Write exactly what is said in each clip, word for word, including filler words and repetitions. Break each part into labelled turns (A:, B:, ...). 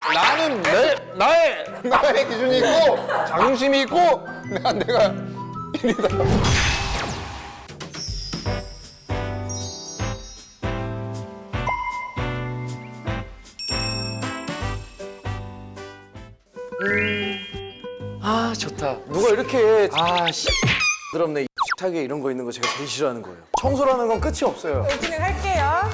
A: 나는 내 나의 나의 기준이 있고 자존심이 있고 내가 내가 일이다.
B: 아 좋다. 누가 이렇게 아씨 더럽네. 식탁에 이런 거 있는 거 제가 제일 싫어하는 거예요. 청소라는 건 끝이 없어요.
C: 오프닝 할게요.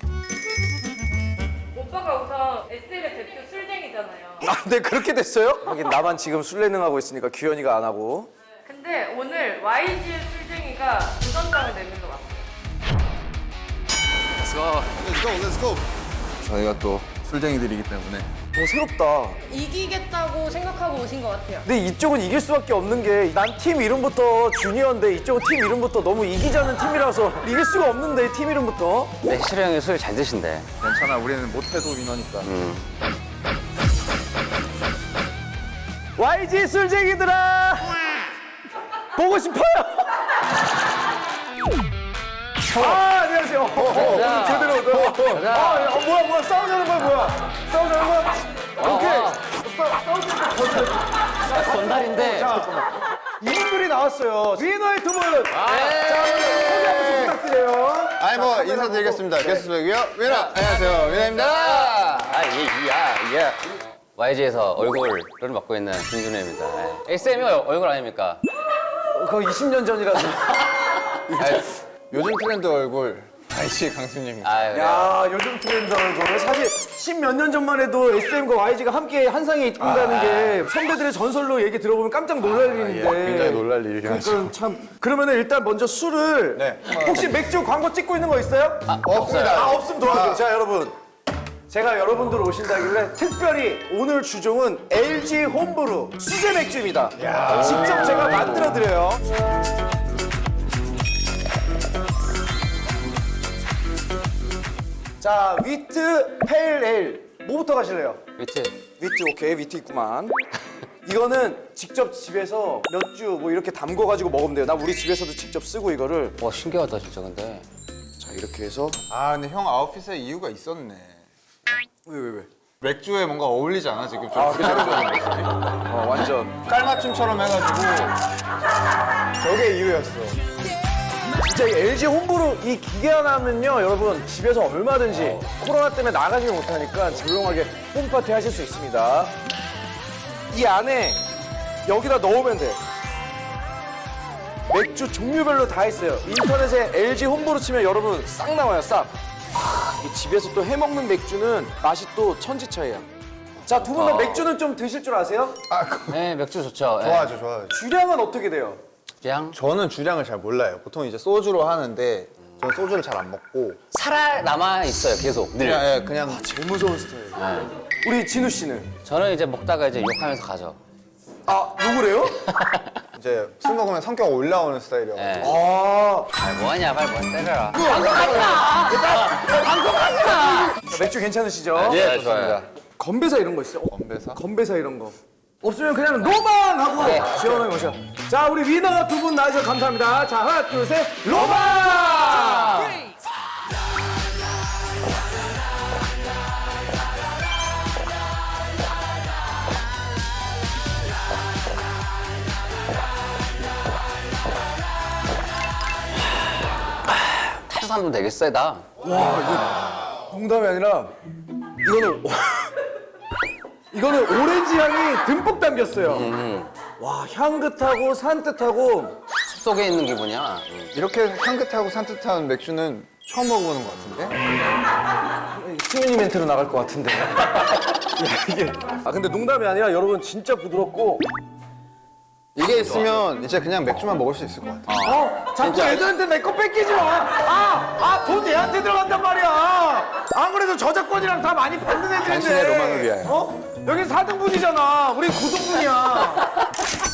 D: 오빠가 우선 에스엘의 대표 술쟁이잖아요.
B: 아, 네 그렇게 됐어요? 하긴 나만 지금 술래능하고 있으니까 규현이가 안 하고.
D: 근데 오늘 와이지의 술쟁이가 도전장을 내밀러 왔어요.
A: Let's go, let's go. 저희가 또 술쟁이들이기 때문에.
B: 오 새롭다.
C: 이기겠다고 생각하고 오신 것 같아요.
B: 근데 이쪽은 이길 수밖에 없는 게 난 팀 이름부터 주니어인데 이쪽은 팀 이름부터 너무 이기자는 팀이라서 이길 수가 없는데 팀 이름부터.
E: 네, 희철이 형이 술 잘 드신대.
A: 괜찮아, 우리는 못해도 위너니까.
B: 와이지 술쟁이들아 보고 싶어요. 아 안녕하세요. 어, 어, 오늘 제대로. 어, 어. 아, 야, 어, 뭐야 뭐야 싸우자는 거야 뭐야? 싸우자는 거야? 오케이. 싸 싸우자는 거야.
E: 전달인데.
B: 이분들이 나왔어요. 위너의 두 분. 자 소개 한 번씩 부탁드려요.
A: 아니 뭐 인사드리겠습니다. 게스트 배우요 위너. 안녕하세요, 위너입니다.
E: 아, 예, 야, 예. 와이지에서 얼굴을 맡고 있는 김준호입니다. 예. 에스엠이 얼굴 아닙니까?
B: 그거 이십 년 전이라서.
A: 요즘 트렌드 얼굴 아이씨 강수님입니다.
E: 아, 그래요?
B: 야 요즘 트렌드 얼굴 사실 십몇 년 전만 해도 에스엠과 와이지가 함께 한 상에 있다는 게 선배들의 전설로 얘기 들어보면 깜짝 놀랄 일인데.
A: 굉장히 놀랄 일이긴 하죠.
B: 그러니까 참 그러면은 일단 먼저 술을
A: 네.
B: 혹시 맥주 광고 찍고 있는 거 있어요? 아,
A: 없습니다.
B: 없으면 도와주세요. 자 여러분 제가 여러분들 오신다길래 특별히 오늘 주종은 엘지 홈브루 수제 맥주입니다. 직접 제가 만들어 드려요. 자 위트 페일 에일 뭐부터 가실래요?
E: 위트.
B: 위트 오케이 위트 있구만. 이거는 직접 집에서 몇 주 뭐 이렇게 담궈가지고 먹으면 돼요. 나 우리 집에서도 직접 쓰고 이거를.
E: 와, 신기하다, 진짜, 근데.
B: 자 이렇게 해서.
A: 아 근데 형 아웃핏에 이유가 있었네.
B: 왜 왜 왜?
A: 맥주에 뭔가 어울리지 않아 지금 좀 기다려주는 모습이?
B: 어 완전.
A: 깔맞춤처럼 해가지고 저게 이유였어.
B: 진짜 이 엘지 홈브루 이 기계 하나면요 여러분 집에서 얼마든지 코로나 때문에 나가지 못하니까 조용하게 홈파티 하실 수 있습니다. 이 안에 여기다 넣으면 돼. 맥주 종류별로 다 있어요. 인터넷에 엘지 홈브루 치면 여러분 싹 나와요 싹. 아, 이 집에서 또 해먹는 맥주는 맛이 또 천지 차이야. 자 두 분 다 맥주는 좀 드실 줄 아세요?
A: 아 그-
E: 네, 맥주 좋죠. 예.
A: 좋아하죠, 좋아하죠.
B: 주량은 어떻게 돼요?
E: 그냥
A: 저는 주량을 잘 몰라요. 보통 이제 소주로 하는데 저는 소주를 잘 안 먹고
E: 살아 남아 있어요, 계속. 늘.
A: 그냥 예, 그냥
B: 제일 무서운 스타일.
E: 네.
B: 우리 진우 씨는?
E: 저는 이제 먹다가 이제 욕하면서 가죠.
B: 아 누구래요?
A: 이제 술 먹으면 성격 올라오는 스타일이어서
E: 예.
B: 아
E: 아, 뭐하냐, 빨리 뭐 때려라.
B: 맥주 괜찮으시죠?
E: 예, 좋아요.
B: 건배사 이런 거 있어요? 어,
A: 건배사?
B: 건배사 이런 거. 없으면 그냥 로망 하고
E: 네.
B: 시원하게 모셔. 자, 우리 위너 두 분 나와주셔서 감사합니다. 자, 하나, 둘, 셋, 로망!
E: 탄산도 되게 세다.
B: 농담이 아니라 이거는 이거는 오렌지 향이 듬뿍 담겼어요. 와, 향긋하고 산뜻하고
E: 숲속에 있는 기분이야. 음.
A: 이렇게 향긋하고 산뜻한 맥주는 처음 먹어보는 것 같은데?
B: 시민이 멘트로 나갈 것 같은데. 야, 이게 아 근데 농담이 아니라 여러분 진짜 부드럽고
A: 이게 있으면 이제 그냥 맥주만 먹을 수 있을 것 같아.
B: 어? 자꾸 애들한테 내 거 뺏기지 마! 아! 아, 돈 얘한테 들어간단 말이야! 아무래도 저작권이랑 다 많이 받는 애들인데.
A: 당신의 로망을 위하여.
B: 어? 여긴 사 등분이잖아. 우린 구 등분이야.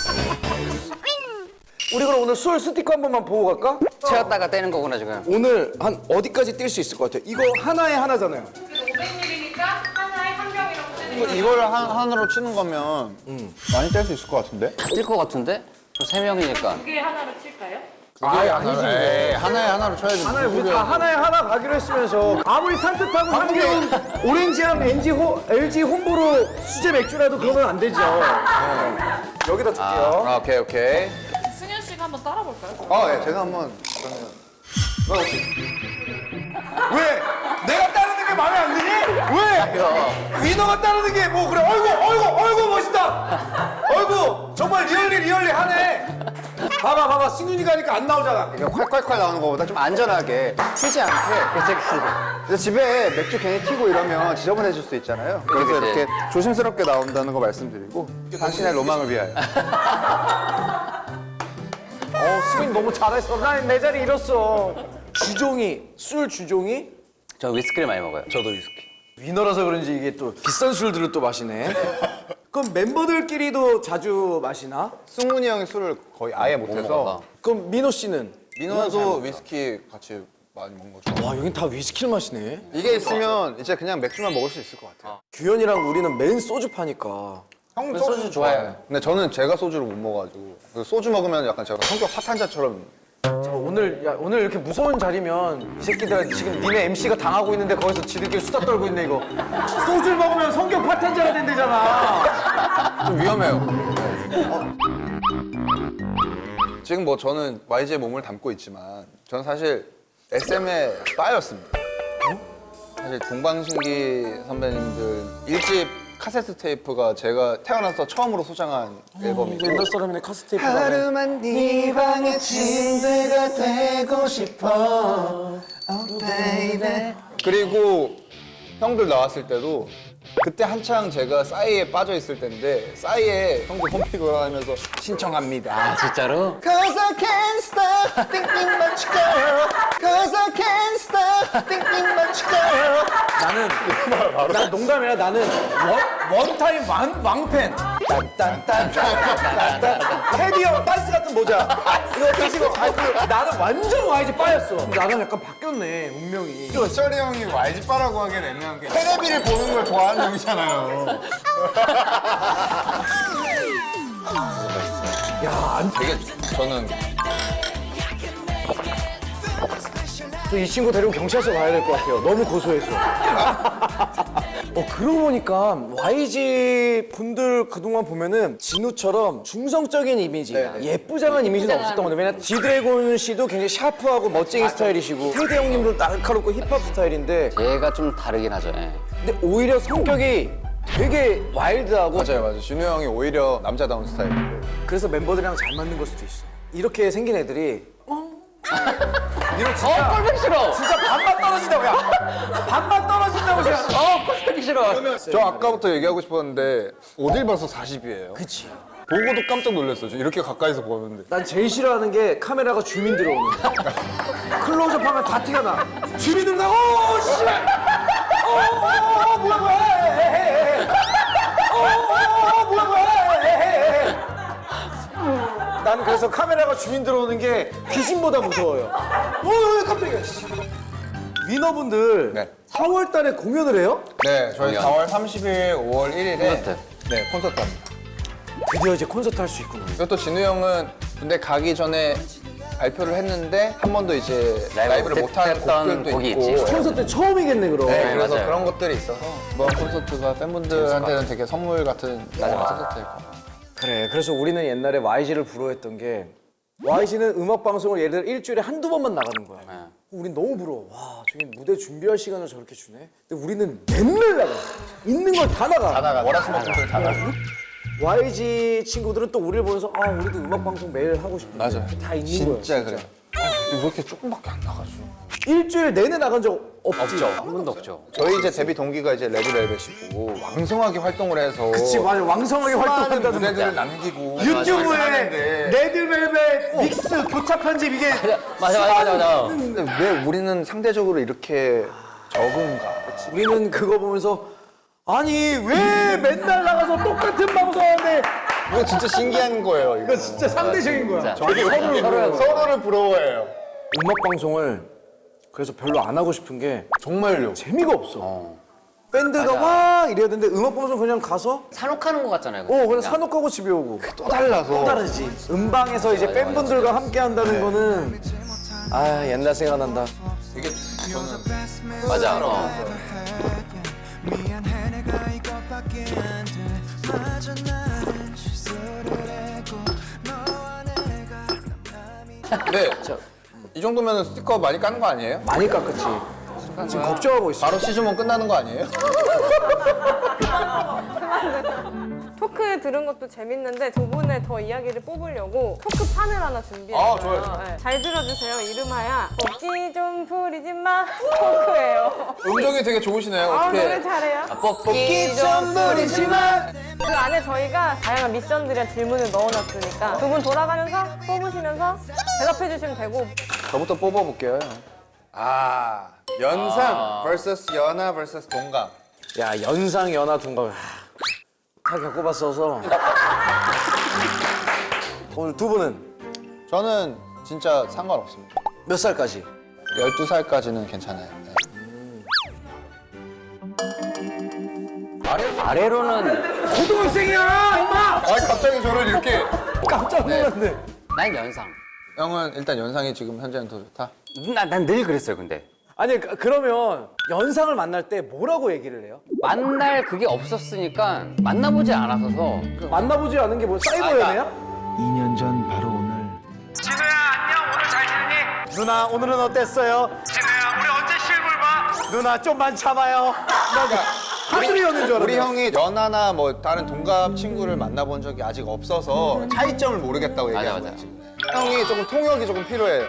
B: 우리 그럼 오늘 술 스티커 한 번만 보고 갈까?
E: 채웠다가 떼는 거구나, 지금.
B: 오늘 한 어디까지 뛸 수 있을 것 같아요? 이거 하나에 하나잖아요.
D: 그래서 오백 밀리리터 하나에 한 병이라고 쓰는
A: 이거,
D: 거예요.
A: 이거를 한, 한으로 치는 거면 많이 뗄 수 있을 것 같은데?
E: 뛸 것 같은데? 저 세 명이니까.
D: 두 개 하나로 칠까요?
A: 아예 하나로. 에이, 하나에 하나로 쳐야지.
B: 하나에 우리 다 하나에 하나 가기로 했으면서 아무리 산뜻하고 향기로운 오렌지향 엔지 호, 엘지 홈브루 수제 맥주라도 그러면 안 되죠. 네. 여기다 둘게요.
A: 아, 오케이 오케이.
D: 승현 씨가 한번 따라 볼까요?
A: 아, 예, 제가 한번 그러면. 너 혹시
B: 왜? 내가 따르는 게 마음에 안 드니? 왜? 위너가 따르는 게 뭐 그래? 어이구, 어이구, 어이구 멋있다. 어이구, 정말 리얼리 리얼리 하네. 봐봐, 봐봐, 승윤이가 하니까 안 나오잖아.
A: 이거 콸콸콸 나오는 거보다 좀 안전하게 튀지 않게.
E: 그치, 그치.
A: 그래서 집에 맥주 괜히 튀고 이러면 지저분해질 수 있잖아요. 그래서
E: 그치.
A: 이렇게 조심스럽게 나온다는 거 말씀드리고 당신의 로망을 위하여.
B: 어, 승윤 너무 잘했어. 난 내 자리 잃었어. 주종이, 술 주종이?
E: 저 위스키를 많이 먹어요.
A: 저도 위스키.
B: 위너라서 그런지 이게 또 비싼 술들을 또 마시네. 그럼 멤버들끼리도 자주 마시나?
A: 승훈이 형이 술을 거의 아예 못해서
E: 먹어서.
B: 그럼 민호 씨는?
A: 민호도 위스키 같이 많이 먹는 거죠.
B: 와, 여긴 다 위스키를 마시네.
A: 이게 있으면 이제 그냥 맥주만 먹을 수 있을 것 같아요.
B: 규현이랑 우리는 맨 소주 파니까.
A: 형은
E: 소주 좋아해요.
A: 근데 저는 제가 소주를 못 먹어가지고 그래서 소주 먹으면 약간 제가 성격 파탄자처럼.
B: 자, 오늘 야, 오늘 이렇게 무서운 자리면 이 새끼들 지금 니네 엠씨가 당하고 있는데 거기서 지들끼리 수다 떨고 있네 이거. 소주를 먹으면 성격 파탄자가 된대잖아.
A: 좀 위험해요. 어. 지금 뭐 저는 와이지의 몸을 담고 있지만 저는 사실 에스엠의 빠였습니다. 사실 동방신기 선배님들 일집 카세트 테이프가 제가 태어나서 처음으로 소장한 앨범이고
B: 옛날 사람이네 카스테이프.
A: 하루만 네 방의 침대가 되고 싶어 oh, baby. 그리고 형들 나왔을 때도 그때 한창 제가 싸이에 빠져 있을 때인데 싸이에 형들 홈피그 하면서 신청합니다.
E: 아, 진짜로?
A: Cause I can't stop thinking about you, girl. Cause I can't stop thinking about you, girl.
B: 나는 난 농담이야. 나는 원, 원타임 왕, 왕팬. 딴딴딴딴딴딴 테디 형 빤스 같은 모자. 이거 끼시고 나는 완전 와이즈 빠였어. 나랑 약간 바뀌었네 운명이.
A: 셔리 형이 와이지 빠라고 하기엔 애매한 게 테레비를 보는 걸 좋아하는 형이잖아요.
B: 야,
A: 되게 저는
B: 또 이 친구 데리고 경찰서 가야 될 것 같아요. 너무 고소해서. 어, 그러고 보니까 와이지 분들 그동안 보면은 진우처럼 중성적인 이미지, 예쁘장한 이미지는 없었던 건데 왜냐면 지드래곤 씨도 굉장히 샤프하고 멋쟁이 스타일이시고 테디 형님도 날카롭고 힙합 스타일인데
E: 얘가 좀 다르긴 하죠. 예.
B: 근데 오히려 성격이 되게 와일드하고
A: 맞아요, 맞아요. 진우 형이 오히려 남자다운 스타일이고.
B: 그래서 멤버들이랑 잘 맞는 걸 수도 있어. 이렇게 생긴 애들이 어? 이거 진짜
E: 어, 꼴보기 싫어!
B: 진짜 반반 떨어진다고 야 반반 떨어진다고 생각.
E: 어, 꼴보기 싫어!
A: 저 아까부터 얘기하고 싶었는데 어딜 봐서 사십이에요.
B: 그치.
A: 보고도 깜짝 놀랐어요. 저 이렇게 가까이서 보는데.
B: 난 제일 싫어하는 게 카메라가 주민 들어오는 거. 클로즈업 하면 다 티가 나. 주민 들어오면 오 씨발. 어 뭐야 뭐야. 헤헤헤. 어 뭐야 뭐야. 헤헤헤. 나는 그래서 카메라가 주민 들어오는 게 귀신보다 무서워요. 어 깜짝이야. 위너분들
A: 네.
B: 사월 달에 공연을 해요?
A: 네, 저희
E: 공연.
A: 사월 삼십일, 오월 일일에
E: 콘서트.
A: 네, 콘서트 합니다.
B: 드디어 이제 콘서트 할 수 있구나.
A: 그리고 또 진우 형은 근데 가기 전에 발표를 했는데 한 번도 이제 라이브를
E: 못
A: 못한
E: 했던
A: 곡들도
E: 곡이
A: 있고.
E: 있지.
B: 콘서트 처음이겠네 그럼.
A: 네,
E: 네,
A: 그래서
E: 맞아요.
A: 그런 것들이 있어서 이번 콘서트가 팬분들한테는 되게 선물 같은 콘서트일 거예요.
B: 그래. 그래서 우리는 옛날에 와이지를 부러워했던 게 와이지는 음악 방송을 예를 들어 일주일에 한두 번만 나가는 거야.
E: 네.
B: 우린 너무 부러워. 와, 저기 무대 준비할 시간을 저렇게 주네. 근데 우리는 맨날 나가. 있는 걸 다 나가.
A: 다 나가. 월화수목금토일 다 나가.
B: 와이지 친구들은 또 우리를 보면서 아, 우리도 음악 방송 매일 하고 싶은데.
A: 맞아요.
B: 다 있는
A: 진짜
B: 거야.
A: 그래. 왜 이렇게 조금밖에 안 나가죠?
B: 일주일 내내 나간 적 없지.
E: 한 번도 없죠.
A: 저희 이제 데뷔 동기가 이제 레드벨벳이고 왕성하게 활동을 해서
B: 그치, 맞아. 왕성하게
A: 수많은
B: 활동한다는
A: 무대들을 남기고
B: 유튜브에
A: 하는데
B: 레드벨벳 믹스 교차 편집 이게
E: 맞아, 맞아, 맞아, 맞아.
A: 근데 왜 우리는 상대적으로 이렇게 적은가?
B: 우리는 그거 보면서 아니 왜 맨날 나가서 똑같은 방송하는데
A: 이거 진짜 신기한 거예요. 이거
B: 이거 진짜 상대적인 거야.
E: 진짜.
A: 저희 서로를 부러워요. 서로를 부러워해요.
B: 음악 방송을 그래서 별로 안 하고 싶은 게
A: 정말요.
B: 재미가 없어. 밴드가
E: 맞아.
B: 와 이래야 되는데 음악 보면서 그냥 가서
E: 산옥하는 것 같잖아요.
B: 어 그냥 산옥하고 집에 오고
A: 또 달라서.
B: 또 다르지. 음방에서 이제 팬분들과 함께 한다는 거는 아 옛날 생각난다.
A: 이게 저는
E: 맞아. 어.
A: 네. 이 정도면 스티커 많이 까는 거 아니에요?
B: 많이 깎았지. 지금 걱정하고 있어.
A: 바로 시즌 일 끝나는 거 아니에요?
C: 토크 들은 것도 재밌는데 두 분의 더 이야기를 뽑으려고 토크판을 하나 준비했어요.
A: 아, 좋아요.
C: 네. 잘 들어주세요. 이름하여 복지 좀 부리지 마 토크예요.
A: 음정이 되게 좋으시네요.
C: 아,
A: 어떻게?
C: 노래 잘해요.
E: 뽑기
A: 좀 부리지만.
C: 그 안에 저희가 다양한 미션들이랑 질문을 넣어놨으니까 두 분 돌아가면서 뽑으시면서 대답해 주시면 되고.
B: 저부터 뽑아볼게요.
A: 아, 연상 vs 연하 vs 동갑.
B: 야 연상 연하 동갑 하, 다 겪어봤어서 오늘 두 분은
A: 저는 진짜 상관없습니다.
B: 몇 살까지?
A: 열두 살까지는 괜찮아요. 네.
E: 아래로는
B: 고등학생이야 임마!
A: 아, 갑자기 저를 이렇게.
B: 깜짝 놀랐네.
E: 난 연상.
A: 형은 일단 연상이 지금 현재는 더 좋다.
E: 난 늘 그랬어요, 근데.
B: 아니 그- 그러면 연상을 만날 때 뭐라고 얘기를 해요?
E: 만날 그게 없었으니까 만나보지 않았어서
B: 그 만나보지 않은 게 뭐 사이버 연애야?
F: 이 년 전 바로 오늘
G: 진우야 안녕 오늘 잘 지냈니?
B: 누나 오늘은 어땠어요?
G: 진우야 우리 언제 실물 봐?
B: 누나 좀만 참아요. 하늘이 오는 줄
A: 우리
B: 알았네.
A: 형이 연하나 뭐 다른 동갑 친구를 만나본 적이 아직 없어서 차이점을 모르겠다고
E: 맞아,
A: 얘기하는
E: 맞아.
A: 거지. 형이 조금 통역이 조금 필요해요.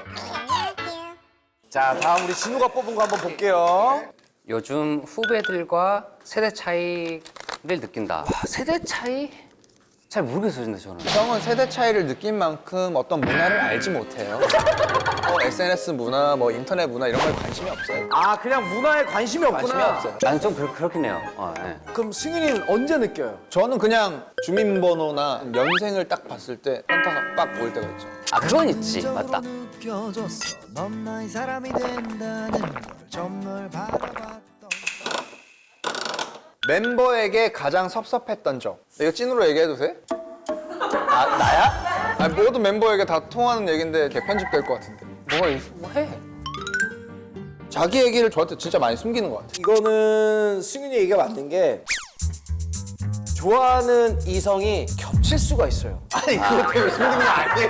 B: 자 다음 우리 진우가 뽑은 거 한번 볼게요.
E: 요즘 후배들과 세대 차이를 느낀다. 아, 세대 차이? 잘 모르겠어요, 근데 저는.
A: 형은 세대 차이를 느낀 만큼 어떤 문화를 알지 못해요. 뭐 에스엔에스 문화, 뭐 인터넷 문화 이런 거에 관심이 없어요.
B: 아 그냥 문화에 관심이 없구나.
A: 관심이 없어요.
E: 나는 좀 그렇, 그렇긴 해요. 어, 네.
B: 그럼 승윤이는 언제 느껴요?
A: 저는 그냥 주민번호나 연생을 딱 봤을 때 현타가 빡 보일 때가 있죠.
E: 아, 그건 있지. 맞다.
F: 느껴졌어. 넌 나의 사람이 된다는 걸 좀 널 바라봤던
A: 멤버에게 가장 섭섭했던 점. 이거 찐으로 얘기해도 돼?
E: 아, 나야?
A: 아니, 모든 멤버에게 다 통하는 얘기인데 이게 편집될 것 같은데.
E: 뭐가 있어? 뭐 해?
A: 자기 얘기를 저한테 진짜 많이 숨기는 것 같아.
B: 이거는 승윤이 얘기가 맞는 게 좋아하는 이성이 겹칠 수가 있어요.
A: 아니, 그것 때문에 숨기는 게 아니에요.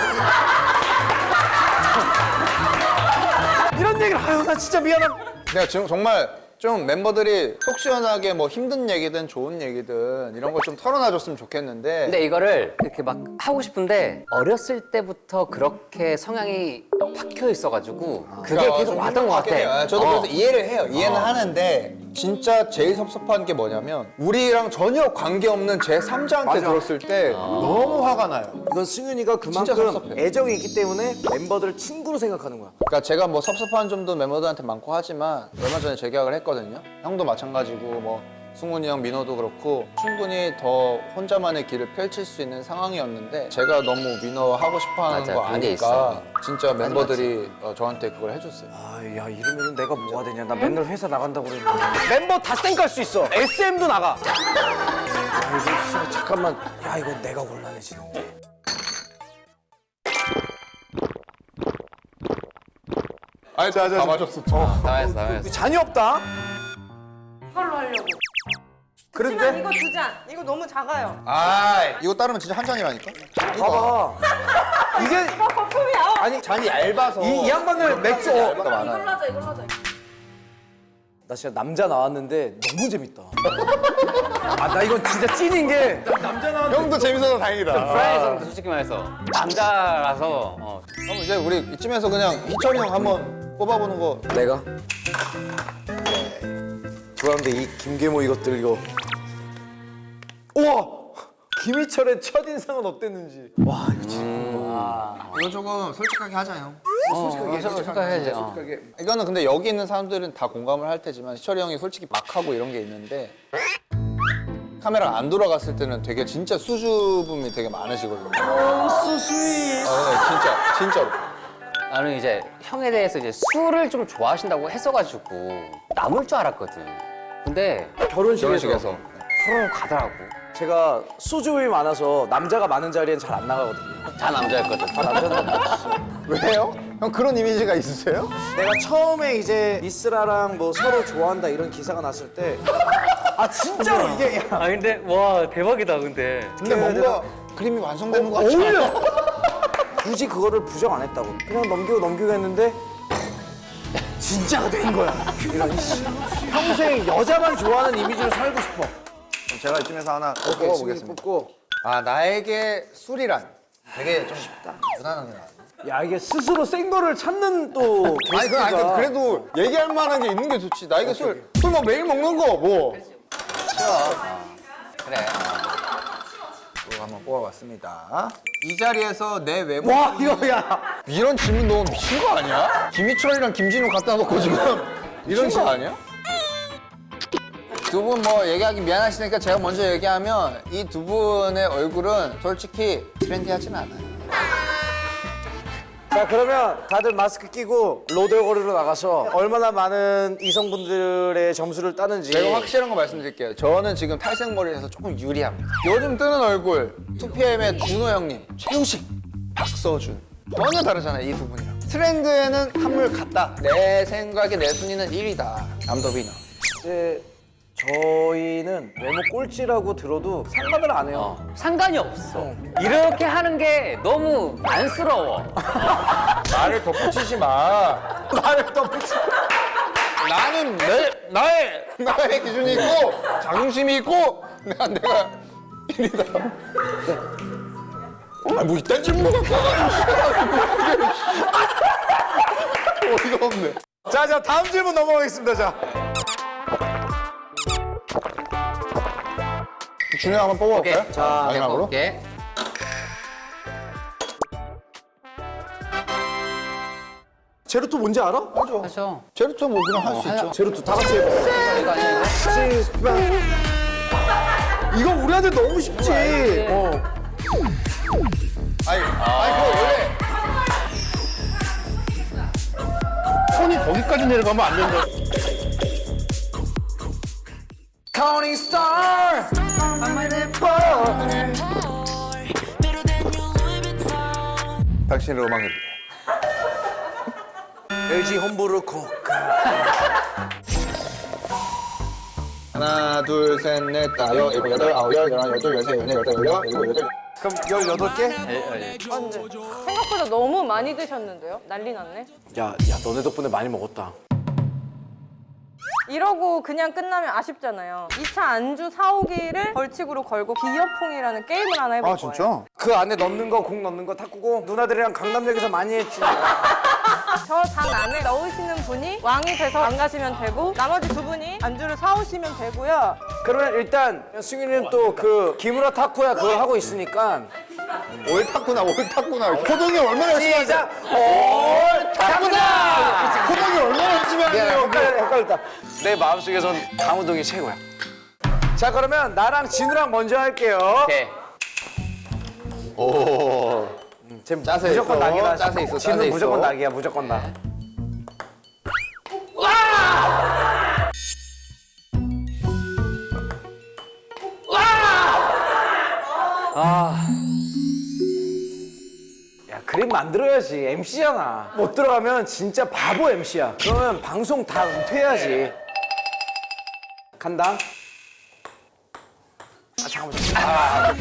B: 이런 얘기를 아유 나 진짜 미안함.
A: 내가 지금 정말 좀 멤버들이 속 시원하게 뭐 힘든 얘기든 좋은 얘기든 이런 걸 좀 털어놔줬으면 좋겠는데.
E: 근데 이거를 이렇게 막 하고 싶은데 어렸을 때부터 그렇게 성향이 박혀 있어가지고 그게
A: 그러니까
E: 계속
A: 좀
E: 왔던 것
A: 힘들긴 해요.
E: 같아.
A: 저도
E: 어.
A: 그래서 이해를 해요. 이해는 하는데 진짜 제일 섭섭한 게 뭐냐면 우리랑 전혀 관계없는 제삼자한테 들었을 때 너무 화가 나요.
B: 이건 승윤이가
A: 진짜
B: 그만큼
A: 섭섭해.
B: 애정이 있기 때문에 멤버들을 친구로 생각하는 거야.
A: 그러니까 제가 뭐 섭섭한 점도 멤버들한테 많고 하지만 얼마 전에 재계약을 했거든요. 형도 마찬가지고 뭐 승훈이 형, 민호도 그렇고 충분히 더 혼자만의 길을 펼칠 수 있는 상황이었는데 제가 너무 민호 하고 싶어하는
E: 맞아,
A: 거
E: 그런 게
A: 아니까
E: 있어.
A: 진짜 멤버들이 어, 저한테 그걸 해줬어요.
B: 아야 이러면 내가 뭐가 되냐. 나 맨날 회사 나간다고 그랬는데. 멤버 다 쌩깔 수 있어. 에스엠도 나가. 아 이거 진짜 잠깐만. 야 이거 내가 곤란해지는데.
A: 아니, 다 맞았어.
E: 나와있어, 나와있어.
B: 잔이 없다.
C: 이걸로 하려고. 하지만
B: 그런데
C: 이거 두 잔. 이거 너무 작아요.
A: 아, 이거 따르면 진짜 한 잔이라니까?
B: 봐봐. 이게
C: 이거 거품이야.
B: 아니
A: 잔이 얇아서.
B: 이, 이 양반들 맥주. 어,
A: 얇가 많아요.
C: 하자, 이걸로 하자.
B: 나 진짜 남자 나왔는데 너무 재밌다. 아 나 이건 진짜 찐인 게 남자 나왔는데.
A: 형도 재밌어서 다행이다.
E: 프라이즈는 솔직히 말해서 남자라서 어.
A: 그럼 이제 우리 이쯤에서 그냥 희철이 형 한번 뽑아보는 거.
B: 내가 좋아하는데 이 김계모 이것들 이거 우와 김희철의 첫인상은 어땠는지 와 이거 진짜
A: 이거 조금 솔직하게 하자, 형.
E: 솔직하게 생각해야지. 어.
A: 이거는 근데 여기 있는 사람들은 다 공감을 할 테지만 희철이 형이 솔직히 막 하고 이런 게 있는데 카메라가 안 돌아갔을 때는 되게 진짜 수줍음이 되게 많으시거든요.
B: 소스윗
A: 아, 네, 진짜, 진짜로.
E: 나는 이제 형에 대해서 이제 술을 좀 좋아하신다고 했어가지고 남을 줄 알았거든. 근데
B: 결혼식에서,
A: 결혼식에서.
E: 후루룩 가더라고.
B: 제가 소주이 많아서 남자가 많은 자리엔 잘 안 나가거든요.
E: 다 남자였거든.
B: 다 남자는
A: 왜요? 형 그런 이미지가 있으세요?
B: 내가 처음에 이제 이스라랑 뭐 서로 좋아한다 이런 기사가 났을 때 아 진짜로 이게 야,
H: 아 근데 와 대박이다 근데.
A: 근데 뭔가 그림이 완성되는 것 같지
B: 어울려.
A: 않아요?
B: 굳이 그거를 부정 안 했다고. 그냥 넘기고 넘기고 했는데 진짜가 된 거야. 이런 씨. 평생 여자만 좋아하는 이미지로 살고 싶어.
A: 그럼 제가 이쯤에서 하나
B: 오케이, 승리
A: 뽑아보겠습니다.
B: 뽑고.
A: 아 나에게 술이란 되게 좀 쉽다. 무난하게 나왔네.
B: 야 이게 스스로 센 거를 찾는 또
A: 아니, 그, 아니
B: 게스트가.
A: 그- 그래도 얘기할 만한 게 있는 게 좋지. 나에게 술, 술 뭐 매일 먹는 거 뭐.
E: 그래.
A: 이거 한번 뽑아봤습니다. 이 자리에서 내 외모.
B: 와 이거 야.
A: 이런 질문 너무 미친 거 아니야? 김희철이랑 김진우 갖다 놓고 지금 이런 거 아니야? 두 분 뭐 얘기하기 미안하시니까 제가 먼저 얘기하면 이 두 분의 얼굴은 솔직히 트렌디하진 않아요.
B: 자 그러면 다들 마스크 끼고 로데오거리로 나가서 얼마나 많은 이성분들의 점수를 따는지.
A: 제가 확실한 거 말씀드릴게요. 저는 지금 탈색머리라서 조금 유리합니다. 요즘 뜨는 얼굴 투피엠의 준호 형님, 최우식, 박서준 전혀 다르잖아요, 이 두 분이랑. 트렌드에는 한물 같다. 내 생각에 내 순위는 일 위다. 남더비너.
B: 이제 저희는 외모 꼴찌라고 들어도 상관을 안 해요.
E: 어, 상관이 없어. 이렇게 하는 게 너무 안쓰러워.
A: 나를 덧붙이지 마. 나를 덧붙이지 마. 나는 내, 나의, 나의 기준이 있고, 자존심이 있고, 내가, 내가 일 위다. 아, 뭐 이딴 질문 갖고 와가지고. 어이가 없네.
B: 자, 자 다음 질문 넘어가겠습니다. 자.
A: 준호 한번 뽑아볼까요?
E: 오케이.
B: 자,
A: 마지막으로.
E: 오케이.
B: 제로투 뭔지 알아?
E: 하죠.
A: 제로투 뭐 그냥 할 수 있죠.
B: 제로투 다 같이 해봐.
E: 이거 아니야 이거?
B: 이거 우리한테 너무 쉽지. 어.
A: 아니, 아니 그거 원래 손이 거기까지 내려가면 안 된다.
B: Counting star.
A: 당신의 음악을 위해.
B: 엘지 홈브루 콕.
A: 하나, 둘, 셋, 넷, 다, 여, 일곱, 여덟, 아홉, 열, 열하나, 열둘, 열세, 열네, 열다섯, 열여섯, 일곱, 여덟.
B: 그럼 열여덟 개?
C: 아, 근데 생각보다 너무 많이 드셨는데요? 난리 났네.
B: 야, 야, 너네 덕분에 많이 먹었다.
C: 이러고 그냥 끝나면 아쉽잖아요. 이 차 안주 사오기를 벌칙으로 걸고 비어퐁이라는 게임을 하나 해볼
A: 아,
C: 거예요.
A: 진짜?
B: 그 안에 넣는 거, 공 넣는 거 탁구공 누나들이랑 강남역에서 많이 했지.
C: 저 장 안에 넣으시는 분이 왕이 돼서 안 가시면 되고 나머지 두 분이 안주를 사오시면 되고요.
B: 그러면 일단 승윤이는 또 그 기무라 타쿠야 그걸 하고 있으니까
A: 옳다구나, 옳다구나. 호동이 얼마나 열심히 하지?
B: 시작! 올 타쿠다!
A: 호동이 얼마나 열심히
B: 미안해,
A: 하세요.
B: 헷갈렸다, 헷갈렸다. 내 마음속에선 강호동이 최고야. 자, 그러면 나랑 진우랑 먼저 할게요.
E: 오케이.
A: 오.
B: 지금
A: 짜세
B: 무조건
A: 있어,
B: 낙이다.
A: 짜세 있어,
B: 진우
A: 짜세
B: 무조건
A: 있어.
B: 낙이야, 무조건 낙. 아. 야, 그림 만들어야지. 엠씨잖아. 못 들어가면 진짜 바보 엠씨야. 그러면 방송 다 은퇴해야지. 간다. 아, 잠깐만. 아.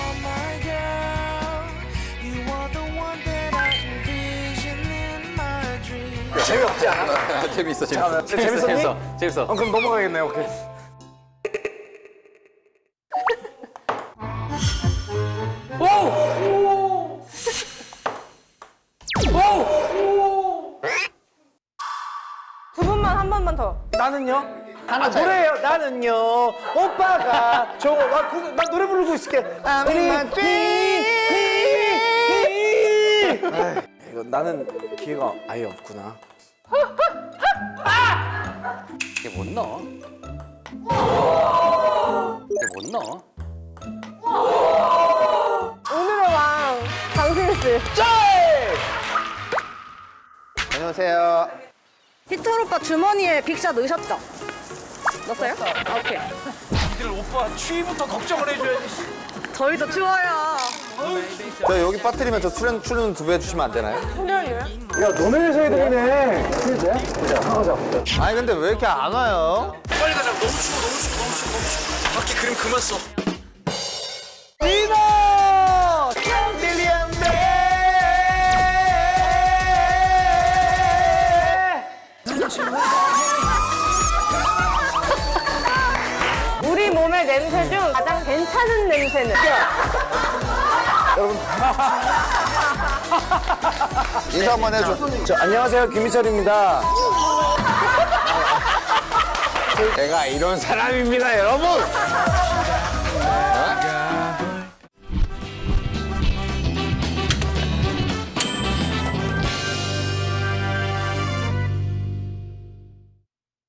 B: 재미없지 않아?
E: 재밌어
B: 잠깐만,
E: 재밌어.
B: 재밌었니?
E: 재밌어 재밌어.
B: 어, 그럼 넘어가겠네. 오케이.
C: 두 분만 한 번만 더.
B: 나는요? 하나 노래요. 나는요. 오빠가 저거 나, 그, 나 노래 부르고 있을게.
A: I'm
B: 이거 나는 기회가 아예 없구나.
E: 이게 못 넣어. 이게 못 넣어.
C: 오늘의 왕 강승희 씨.
A: 안녕하세요.
I: 희철 오빠 주머니에 빅샷 넣으셨죠?
C: 넣었어요? 아, 오케이.
B: 니들 오빠 추위부터 걱정을 해줘야지.
C: 저희도 추워요.
A: 저 여기 빠뜨리면 저 출연 출연 두 배 해주시면 안 되나요?
C: 훈련이요?
B: 야 너네 회사 애들이네. 그래? 가자.
A: 아니 근데 왜 이렇게 안 와요?
B: 빨리 가자. 너무 추워 너무 추워 너무 추워 너무 추워. 밖에 그림 그만 써.
C: 우리 몸의 냄새 중 가장 괜찮은 냄새는?
A: 인사 한번 해줘.
B: 저, 안녕하세요 김희철입니다.
A: 제가 이런 사람입니다, 여러분.